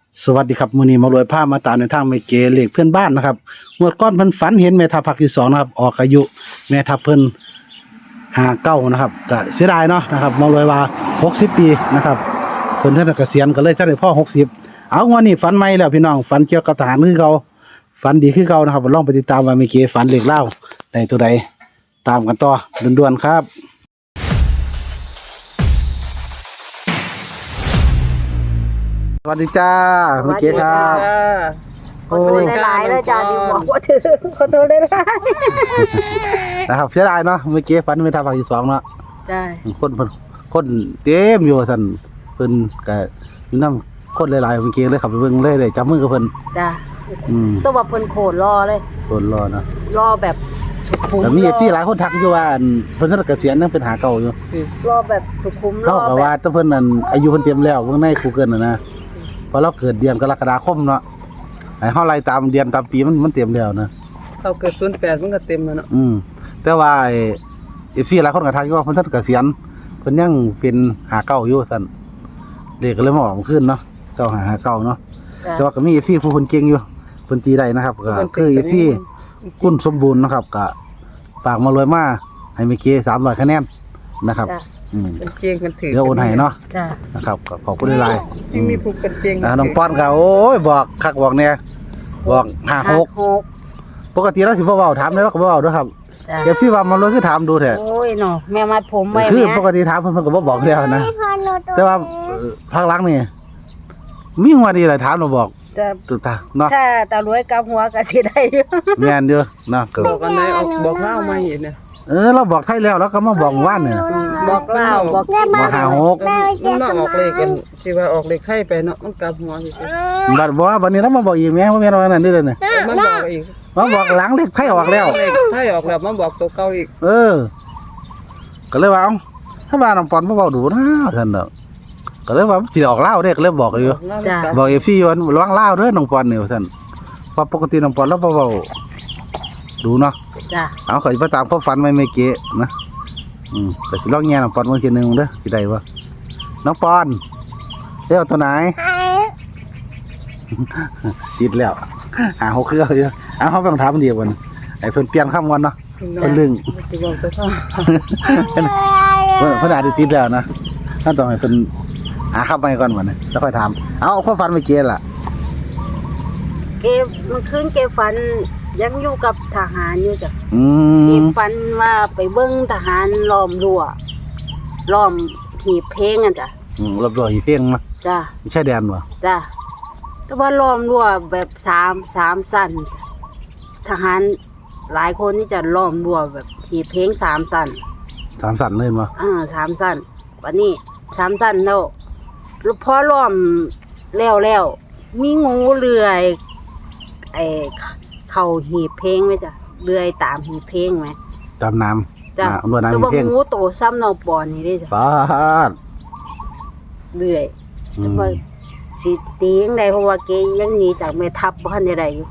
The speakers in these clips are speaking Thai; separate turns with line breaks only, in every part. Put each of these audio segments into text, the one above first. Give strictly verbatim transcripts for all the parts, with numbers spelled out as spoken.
สวัสดีครับมื้อนี้มารวยภาพมาตามในทางแม่เก๋เลขเพื่อนบ้านนะครับงวดก่อนเพิ่นฝันเห็นแม่ทัพภาคที่สองนะครับออกอายุแม่ทัพเพิ่นห้าสิบเก้านะครับก็เสียดายเนาะนะครับมารวยว่าหกสิบปีนะครับเพิ่นท่านเกษียณก็เลยท่านได้พ่อหกสิบเอางวดนี้ฝันใหม่แล้วพี่น้องฝันเกี่ยวกับทหารคือเก่าฝันดีคือเก่านะครับลองไปติดตามว่าแม่เก๋ฝันเลขเล่าได้ตัวใดตามกันต่อด่วนๆครับสวัสดีจ้าแม่เก๋ครับ
ขอโทษหลายๆแล้วจ้าที่บอกว่าถือขอโทษหลาย
นะครับเสียดายเนาะเมื่อกี้ฝันไม่ทำภาคที่สองเนาะ
ๆจ้า
คนเพิ่นคนเต็มอยู่สั่นเพิ่นก็มีน้ำคนหลายๆเมื่อกี้เลยขับไปเบิ่งเลยได้จับมือกับเพิ่น
จ้า
อืม
ต้องว่าเพิ่นโผล่รอเลย
คนรอเนาะ
รอแบบสุขุม
แต่มีเอฟซีหลายคนทักอยู่ว่าอันเพิ่นท่านเกษียณยังเป็นหาเก่าอยู่
รอแบบสุขุมร
เขา
อ
ก็
แบ
ว่า
บ
ถ้าเพิ่นนั่นอายุเพิ่นเต็มแล้วเบิ่งใน Google น่ะนะเพราะเราเกิดเดือนกรกฎาคมเนาะให้เฮาไล่ตามเดือนตามปีมันมันเต็มแล้วนะ
เขาเกิดศูนย์แปดมันก็เต็มแล้วเนาะ
อืมแต่ว่าเอฟซีหลายคนก็ทักอยู่ว่าเพิ่นท่านเกษียณเพิ่นยังเป็นหาเก่าอยู่ซั่นเลขก็เลยมาออกขึ้นเนาะเก้าหาหาเก่าเนาะ
จ้า
แต่ว่าก็มี เอฟ ซี ผู้คนเก่งอยู่เพิ่นตีได้นะครับก็คือ เอฟ ซี คุณสมบูรณ์นะครับก็ฝากมารวยมาให้เมื่อกี้สามร้อยคะแนนนะครับ
จ้า
อืม
เป็นเจียงกันถือ
เดี๋ยวโอนให้เนาะ
จ้า
นะครับก็ขอบคุณหลายๆ
ยังมีผู้เป็นเจียง
อ่าน้องป้อนก็โอ้ยบอกคักบอกแน่บอกห้าหก
หก
ปกติเราสิบ่เว้าถามได้เราก็บ่เว้าเด้อครับ
จ้า
เอฟ ซี ว่ามารวยคือถามดูแท้
โอ้ยเนาะแม่มัดผมไว้
คือ
แม่
ปกติถามเพิ่นเพิ่นก็บ่บอกแล้วนะแต่ว่าเอ่อภาคหลังนี่มีงวดนี้แหละถามเราบอก
จ้า
ตึกตาเนาะ
ถ้าตารวยกับหัวก็สิได้อยู่
แม่นเด้อเนาะก็
บอกอันไหนออกบอกเล่ามาอีกเนี่ย
เออเราบอกไทยแล้วแล้วก็มาบอกว่านเนี่ย
บอกเล่าบอก
บอกห้าหก
มันมาออกเลขกันที่ว่าออกเลขไข่ไปเนาะมันกลับหัวสิ
บัดบอกว่าบัดนี้เรามาบอกอีกแม่ว่าแม่นว่านั่นนี่เลยเนี่ย
มันบอกอีก
มาบอกหลังเลขไทยออกแล้ว
เลขไข่ออกแล้วมันบอกตัวเก่าอีก
เออ ก็เลยว่าเอ้าถ้าว่าน้องปอนบ่เว้าดูนะท่านเด้อก็เลยว่าสิออกลาวเด้ก็เลยบอกอยู่ บอก เอฟ ซี ว่าระวังลาวเด้อน้องปอนนี่ว่าซั่นเพราะปกติน้องปอนเราบ่เว้าดูเนาะ
จ้า
เอาขอยไปตามความฝันไม่ไม่เก๋นะอืมก็สิลองแย่น้องปอนเบิ่งทีนึงเด้อสิได้บ่น้องปอนเร็วตัวไหน ติดแล้วหาหกเครืออยู่เอาเฮาต้องถามมันดีกว่านะไอ้เพิ่นเปลี่ยนคำก่อนเนาะเพิ่นลึง
สิบอกตัวเขา
เพิ่นเพิ่นอาจจะติดแล้วนะท่านต้องให้เพิ่นหาคำใหม่ก่อนบัดนี้แล้วค่อยถามเอาความฝันไม่เก๋ล่ะ
เกมมันคืนเกมฝันยังอยู่กับทหารอยู่จ้ะ
อื
เก
ม
มฝันว่าไปเบิ่งทหารล้อมรั้วล้อมหีบเพลงอ่ะจ้ะ
อืมรับรองอีเพ่งมา
จ้า
ไม่ใช่แดนบ่
จ้าแต่ว่าล้อมรั้วแบบสามสามสั้นทหารหลายคนที่จะล้อมรั้วแบบหีบเพลงสามสั้น
สามสันเลยบ่
อ่าสามสั้นวันนี้สามสั้นแล้วแล้วพอล้อมแล้วแล้วมีงูเลื้อยไอ้เข้าหีบเพลงไหมจ้ะเลื้อยตามหีบเพลงไหม
ตามน้ำ
จ้ะ
น้ำบ่
แต่
น้ำอี
ว่า
เพ่ง
งูโตซ้ำนอปอนนี่ได้จ้ะ
ปาด
เลื้อย
อื
แต่
ม
ว่าสิตียังไงเพราะว่าเกยังหนีจากแม่ทัพบ้านใดอยู่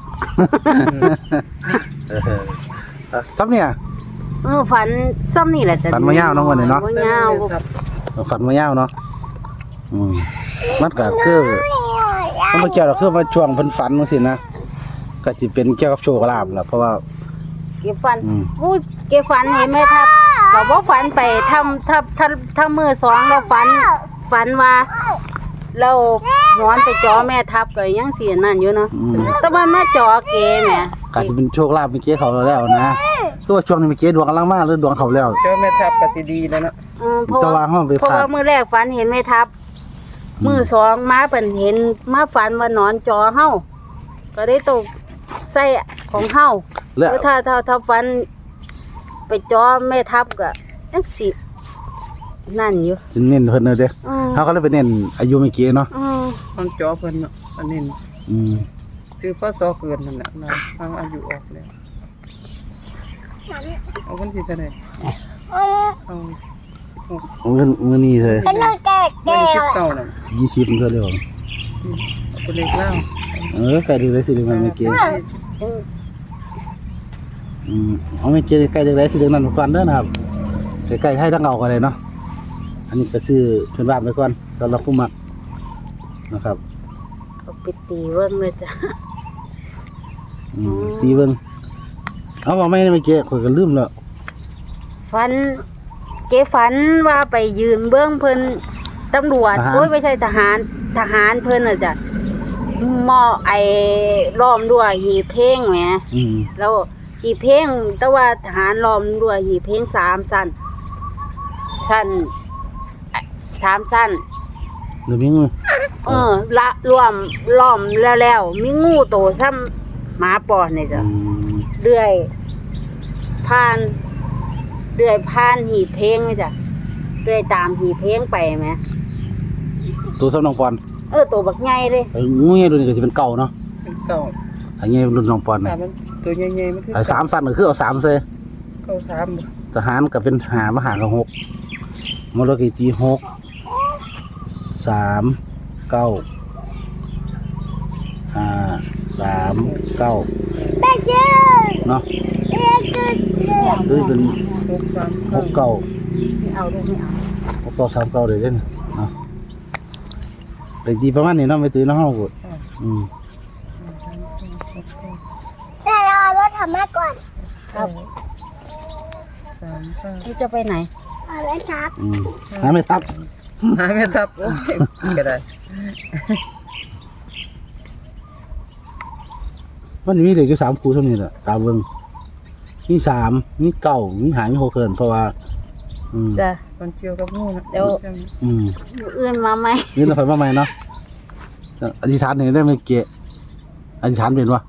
เออซับเนี่ย
เออฝันซ้ำนี่แหละจ้ะ
ฝันมายาวเนาะวันนี้เนาะ
มายาว
ฝันมายาวเนาะอืมมันก็คือมันบ่เกี่ยวหรอกคือว่าช่วงเพิ่นฝันจังซี่นะก็สิเป็นเกี่ยวกับโชคลาภแหละเพราะว่า
เก็บฝัน
อืม
อู้เก็บฝันเห็นไหมทับก็บ่ฝันไปทำทับทับทำมือสองแล้วฝันฝันว่าเราหอนไปจอแม่ทับก็ยังเสียนั่นอยู่เนาะ
อืม
แต่ว่ามาจอเกแหม
ก็สิเป็นโชคลาภเมื่อกี้เขาแล้วนะคือว่าช่วงนี้เมื่อกี้ดวงกำลังมาหรือดวงเขาแล้ว
เจ้าแม่ทัพก็สิดีแล้วเนาะ
เออเพราะ
แต่ว่า
ว่า
เฮาไป
เพราะ
พลา
ว่า
ด
มือแรกฝันเห็นแม่ทับ
อืม
มือสองมาเปิ่นเห็นมาฝันว่านอนจอเฮาก็ได้ตกใส่ของเฮา
แล้ว
คือถ้าถ้าถ้าฝันไปจอแม่ทับก็จังสินั่นอยู่
สิเน้นเพิ่นเด้อเด้อ
อืม
เฮาก็เลยไปเน้นอายุเมื่อกี้เนาะ
อืม
มันจอเพิ่นเนาะอันนี้
อืม
ซื้อพศเกินนั่นแหละนะทางอายุออกแล้วเอาคนที่เท่าไหร่เอา
เงินเงินนี่เลย
วันนี้สิบเก้าน่ะ
ยี่สิบเท่าเดิม
เอาไปเลขเล่า
เออใกล้ถึงได้สิเดือนเมื่อกี้อืมเอาเมื่อกี้ใกล้ถึงได้สิเดือนนั้นก่อนเด้อนะครับใกล้ๆให้ทั้งเอากันเลยเนาะอันนี้ก็ซื้อเพื่อนบ้านไปก่อนสำหรับผู้มักนะครับ
เอาไปตีเบิ่งเลยจ้ะ
อืมตีเบิ่งเอาว่าไม่ได้ไม่เก๊ข่อยก็ลืมแล้ว
ฝันเก๋ฝันว่าไปยืนเบื้องเพิ่นตำรวจโอ้ยไม่ใช่ทหารทหารเพิ่นน่ะจ้ะหม้อไอ้ล้อมด้วยหีบเพลงแหม
อืม
แล้วหีบเพลงแต่ว่าทหารล้อมด้วยหีบเพลงสามสั้นสั้นเอ่อสามสั้น
เดี๋ยวมีงู
เออละรวมล้อมแล้วแล้วมีงูโตซ้ำหมาปอนนี่จ้ะ
อืม
เรื่อยผ่านเรื่อยผ่านหีบเพลงนี่จ้ะเรื่อยตามหีบเพลงไปไหม
ตัวสำนองปอน
เออตัวบักใหญ่เลย
ไอ้งูเงี้ยตัวนี้ก็จะเป็นเก่าเนาะ
เป็นเก่า
ไอ้เงี้ยรุ่นน้องปอน
แต่
น่ะ
มันตัวใหญ่ๆมันคือ
ไอ้สามฟันก็คือเอาสามเซ
เก่าสามบ่
ทหารก็เป็นหามหากับหกมรกีตีหกสามเก้าห้าสามเก้าเนาะด้วยเป็น
หกสาม
หกเก้า
ไม่เอาด้วยไม่เอา
หกเก้าสามเก้าเลยเด้นเนาะเด็กดีประมาณนี้เนาะไม่ตื่นเนาะเฮาก็อืม
แต่เราเอารถทำมาก่อน
ครับ
สามเก้า
พี่จะไปไหน
เอาเลยครับ
อืมหาไม่ทับ
หาไม่ทับโอ้ยก็ได้
มันมีเด็กอยู่สามครูเท่านี้แหละตามเบิ่งมีสามมีเก้ามีหามีหกเกินเพราะว่า อืม
จ้ะ
มันเกี่ยวกับงูนะ
เดี๋ยว
อืม
อยู่อื่นมาไหม
นี่เราไปมาใหม่เนาะอธิษฐานนี่ได้ไหมเกะอธิษฐานเป็นวะ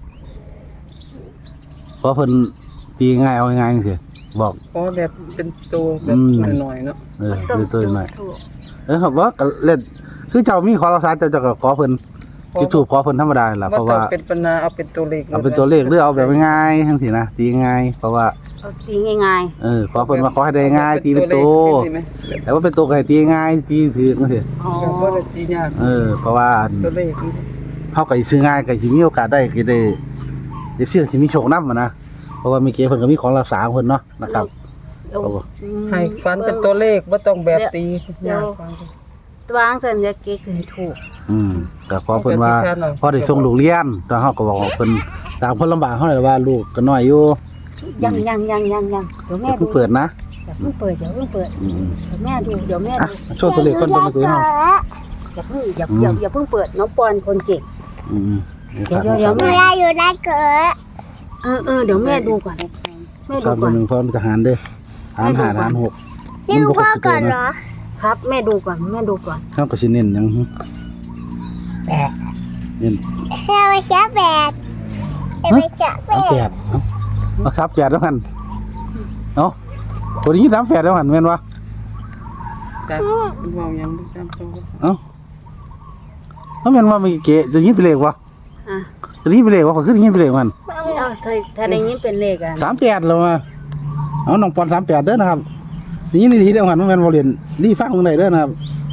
เพราะเพิ่นตีง่ายเอาง่ายๆสิบอก
ขอแบบเป็นตัวแบบ
อืม
หน่อยๆเนาะ
เออเดี๋ยวตัวหน่อย
ถูก
เออครับว่าก็เล่นคือเจ้ามีขอรักษาเจ้าเจ้าก็ขอเพิ่นจุดถูกขอเพิ่นธรรมดาแหละเพราะ
ต้อ
ว่า
งเป็นปัญหาเอาเป็นตัวเลข
เอาเป็นตัวเลขหรือเอาแบบง่ายๆทั้งทีนะตีง่ายเพราะว่า
เอาตีง่าย
เออขอเพิ่นมาขอให้ได้ง่ายตีเป็นตัว แต่ว่าเป็นตัวไก่ตีง่ายตีถือจังซี่
ๆอ๋อ
แบบว่าตียาก
เออเพราะว่า
ตัวเลขนี่
เฮาก็สิซื้อง่ายก็สิมีโอกาสได้ก็ได้ได้เสี่ยงสิมีโชคนำนะเพราะว่ามีเกเพิ่นก็มีของรักษาของเพิ่นเนาะนะครับ
เอา
เอาบ่
อืม
ให้ฟันเป็นตัวเลขบ่ต้องแบบตี
เดี๋ยว
ยากฟัง
วางสัญญาเก๊คือถูก
อืมก็ขอเพิ่นว่าพอได้ส่งลูกเรียนแต่เฮาก็บอกว่าเพิ่นตามเพิ่นลำบากเฮาเลยว่าลูกก็น้อยอยู่
ยังยังยังยังยังเดี๋ยวแม่
อย่า
ดู
เพิ่งเปิดนะ
อย่าเพิ่งเปิดอย่าเพิ่งเปิด
อืม
เดี๋ยวแม่ดูเดี๋ยวแม่
อ่ะ
ดู
โชว์ตัวเลขก่อนบ่ซื้อเฮา
อย่าเพิ่งอย่าอย่าอย่าเพิ่งเปิดน้องปอนคนเก่ง
อืม
เดี๋ยวเดี๋ยวเดี๋ยว
เวลาอยู่ได้เกิด
เออเออเดี๋ยวแม่ดูก่อนแม่
สา
ดู
ม
ก่อน
หนึ่งพร้อมทหารเด้อทหารห้าทหารหก
ยืมพ่อก่อนเหรอ
ครับแม่ดูก่อนแม่ดูก่อน
เฮาก็สิเน้นหยังหึ
แปด
เน้น
เดี๋ยวไปเช้าแปดเดี๋ยวไปเช้าแป
สามแป
ด
ดเอ้าเอาครับแปดแล้วกันเอ้าตัวนี้สามแปดแล้วกันแม่นวะ
จับมองยังบ่จำตัว
เอ้าเฮาแม่นว่ามีเกะจะยินไปเลขวะ
อ่ะ
จะยินไปเลขวะก็คือยินไปเลขมัน
เอาเธอถ้าได้ยินเป็นเลขอ่ะ
สามแปดแล้วมาเอาน้องปอนสามแปดเด้อนะครับนี่นี่ทีเดียวกันแม่นบ่เรียนรีฟังตรงไหนเด้อนะครับ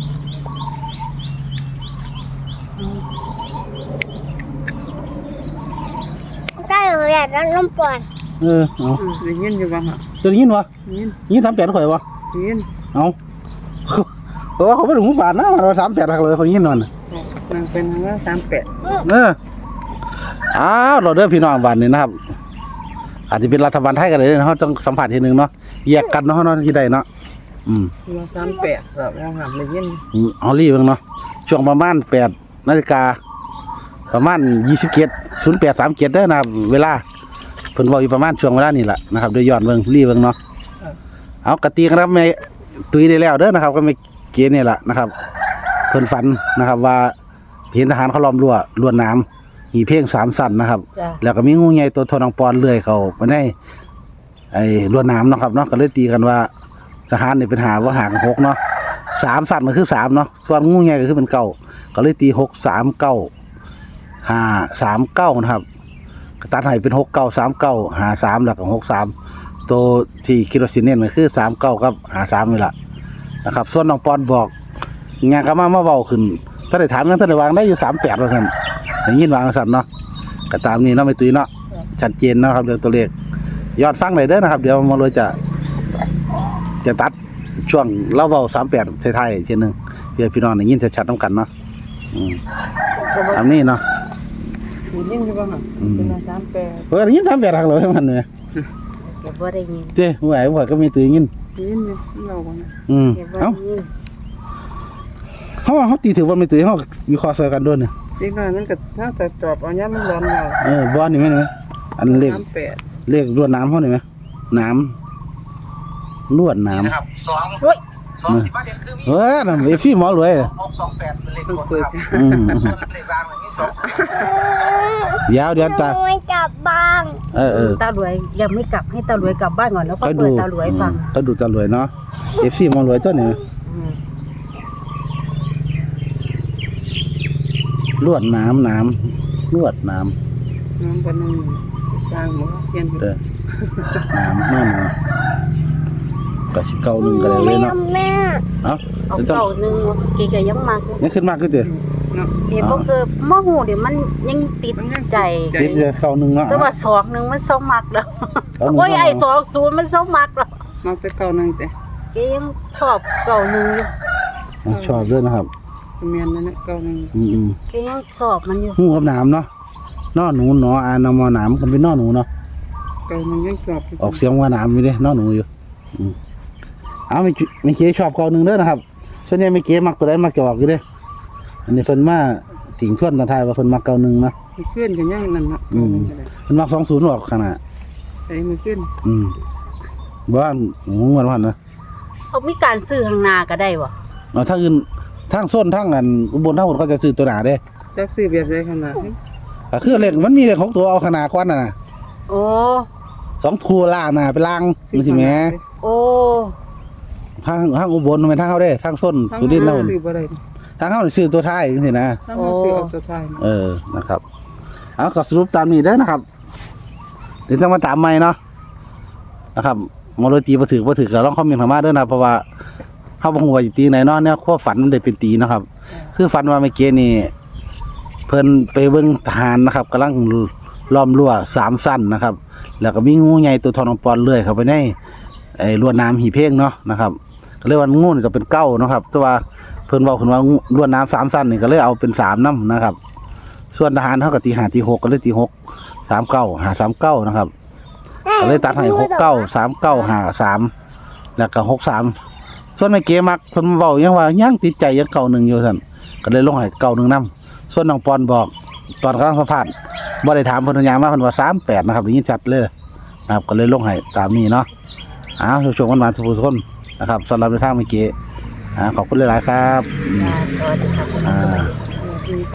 ได้เลยอยากได้ลมปอน
เออเอา
ได้ยินอยู่บ้างอ่ะ
จะได้ยินวะ
ได้ยิน
ยินสามแปดข่อยวะ
ได้ยิน
เอา เพราะว่าเขาไม่ถึงหูฝาดนะเราสามแปดเลยเขายินนอน
นางเป็นว่าสามแปด
เอออ้าวเราเด้อพี่น้องบ้านนี้นะครับ อาจจะเป็นรัฐบาลไทยกันเลยนะเขาต้องสัมผัสทีหนึ่งเนาะแยกกันเนาะเนาะที่ใดเนาะอืม
ว่าสามแปดแบบว่าหันได้ยิน
ฮอลลี่เบิ่งเนาะช่วงประมาณแปดนาฬิกาประมาณยี่สิบเจ็ดศูนย์แปดสามเจ็ดเด้อนะครับเวลาเพิ่นบอกอยู่ประมาณช่วงเวลานี่แหละนะครับโดยย้อนเบิ่งรีเบิ่งเนาะเอากระตีกันครับแม่ตุยได้แล้วเด้อนะครับ ก็ไม่เกณฑ์นี่แหละนะครับเพิ่นฝันนะครับ ว่าเห็นทหารเขาล้อมรั้วลวดหนามหีเพ่งสามสั้นนะครับ
จ้ะ
แล้วก็มีงูใหญ่ตัวโทนองปอนเลื่อยเขามาได้ไอ้ลวดหนามเนาะครับเนาะก็เลยตีกันว่าทหารนี่เป็นหาว่าหางหกเนาะสามสั้นก็คือสามเนาะส่วนงูใหญ่ก็คือเป็นเก้าก็เลยตีหกสามเก้าห้าสามเก้านะครับก็ตัดให้เป็นหกเก้าสามเก้าหาสามแล้วก็หกสามตัวที่คิดว่าสิเน้นก็คือสามเก้ากับหาสามนี่แหละนะครับ ส่วนน้องปอนบอกงานก็มามาเบาขึ้นถ้าได้ถามกันถ้าได้วางได้อยู่สามแปดว่าสั่นอย่างนี้วางสั่นเนาะก็ตามนี้เนาะไม่ตีเนาะชัดเจนเนาะครับเรื่องตัวเลขยอดฟังเลยเด้อนะครับ เดี๋ยวมาเลยจะจะตัดช่วงเล่าเบาสามแปดไทยๆทีนึงเพื่อพี่น้องได้ยินชัดๆน้ำกันเนาะอืมตามนี้เนาะ
มียิ่งใช่ป่ะฮะ
อืม
เป็นสามแปด
เพิ่นยินทำแบบรักเลยมันเนี่ย
เก็บบ่ได้ยิน
เจ้ผู้ใหญ่ผู้ใหญ่ก็มีตื่นยิน
ยิ่งเนี่ยเราบ่นะ
อืม
เก็บบ่
เอ้า
ได้ยิน
เขาว่าเขาตีถือว่าไม่ตื่นเขาวิเคราะห์ใส่กันด้วยเนี่ย
จริงๆมันก็ถ้าจะจอบเอาย่ามันร้อนเรา
เออบอลนี่ไหมนี่ไหมอันเลข
สามแปด
เลขรวดน้ำเขานี่ไหมน้ำรวดน้ำ
นะครับสอง
โอ้ย
สองที่ประเด็นคือมี
เออนั่นเอฟซีหมอรวย
หกสองแปดเป็นเลข
ต้อง
บน
เปิด
ครับ
อืม
ส่วนเลขล่างมันมีสองสอง
เดี๋ยวเดี๋ยวตา
ขโมยกลับบ้าน
เออเออ
ตารวยยังไม่กลับให้ตารวยกลับบ้านก่อนแล้วก็
เขา
เปิ
ดู
ดตารวยฟัง
เขาดูตารวยเนาะเอฟซีหมอรวยตัวนี้
อืม
รวดน้ำน้ำรวดน้
น้ำปนนึงสร้างหมูเทียน
ำเออน้ำน้ำก็สิเก้าหนึ่งก็ได้เลยเนาะ
แม่
เอ้า
เอา
เดี๋ยวต้อง
เก่าหนึงเก๋ก็ยังมักอยู่
ยังขึ้นมากขึ้นเถอะ
เนาะ
เก๋บ่คือบ่ฮู้เดี๋ยวมันยังติดใจ
คิดจะเก้าหนึ่งเนาะ
แต่ว่าสองหนึงมันเศร้ามักแล้ว
เก้าหนึ่ง
โอ้ยไอ้สองศูนย์มันเศร้ามักแล้ว
มาสักเก้านึงแต่
เก๋ยังชอบเก่าหนึงอยู่
อ่ะชอบด้วยนะครับ
เมียนนั่นเก้านึง
อืมอืม
เก๋ยังชอบมันอยู่
หูกับน้ำเนาะนอหนูหนออานอมอน้ำกันเป็นนอหนูเนาะ
เก้านึงยังจอบ
ออกเสียงว่าน้ำอยู่เด้นอหนูอยู่อืมเอาไม่ไม่เก๋ชอบเก้าหนึ่งเด้อนะครับส่วนใหญ่ไม่เก๋มักตัวใดมักจะออกอยู่เด้ออันนี้เพิ่นมาถิงทวนตาทายว่าเพิ่นมักเก้าหนึ่งนะ
เพื่อนกันยังนั่นเนาะ
อืม เพิ่นมักสองศูนย์ออกขนาด
ไอ้มันขึ้น
อืมบ้านหมูมันวันนะ
เอามีการซื้อข้างหน้าก็ได้บ่
เอาทางอื่นทางส้นทางอันอุบลทางอุบลเขาจะซื้อตัวหนาเด้
จักซื้อแบบใดขนาด
ก็คือเลขมันมีเลขของตัวเอาขนาดกว่าน่ะนะ
โอ้
สองทูล่าหน้าเป็นลางมันสิแหม
โอ้
ทางทางอุบลมันทางเฮาเด้ทางส้นสุรินทร์แล้ว
ซื้อบ่ได้
ทางเฮานี่ซื้อตัวท้ายจังซี่นะ
ถ้าเราซื้อเอาตัวท้าย
เออนะครับเอาก็สรุปตามนี้เด้อนะครับเดี๋ยวจะมาตามใหม่เนาะนะครับมอลตีบ่ถือบ่ถือก็ลองคอมเมนต์เข้ามาเด้อนะเพราะว่าเฮาบ่ฮู้ว่าสิตีไหนเนาะเนี่ยความฝันมันได้เป็นตีนะครับ คือฝันว่าเมื่อกี้นี่เพิ่นไปเบิ่งทหารนะครับกำลังล้อมรั้วสามสั้นนะครับ แล้วก็มีงูใหญ่ตัวทองปอนเลื่อยเข้าไปในไอ้รั้วน้ำหีเพงเนาะนะครับก็เลยว่างูนี่ก็เป็นเก้าเนาะครับแต่ว่าเพิ่นเว้าขึ้นว่ารั้วน้ำสามสั้นนี่ก็เลยเอาเป็นสามนำนะครับ ส่วนทหารเขาก็ตีห้าตีหกก็เลยตีหกสามเก้าหาสามเก้านะครับก็เลยตัดให้หกเก้าสามเก้าหาสามแล้วก็หกสามส่วนไม่เกมักเพิ่นเว้ายังว่ายังติดใจยังเก่าหนึ่งอยู่ซั่นก็เลยลงให้เก่าหนึ่งนำส่วนน้องปอนบอกตอนกำลังสัมภาษณ์บ่ได้ถามเพิ่นยามมาเพิ่นว่าสามแปดนะครับได้ยินชัดเลยนะครับก็เลยลงให้ตามนี้เนาะอ้าวชมกันมาสุขสุขคนนะครับสำหรับในทางเมื่อกี้อ่าขอบคุณหลายๆครับ
จ้าสวัสดีครับ
อ่า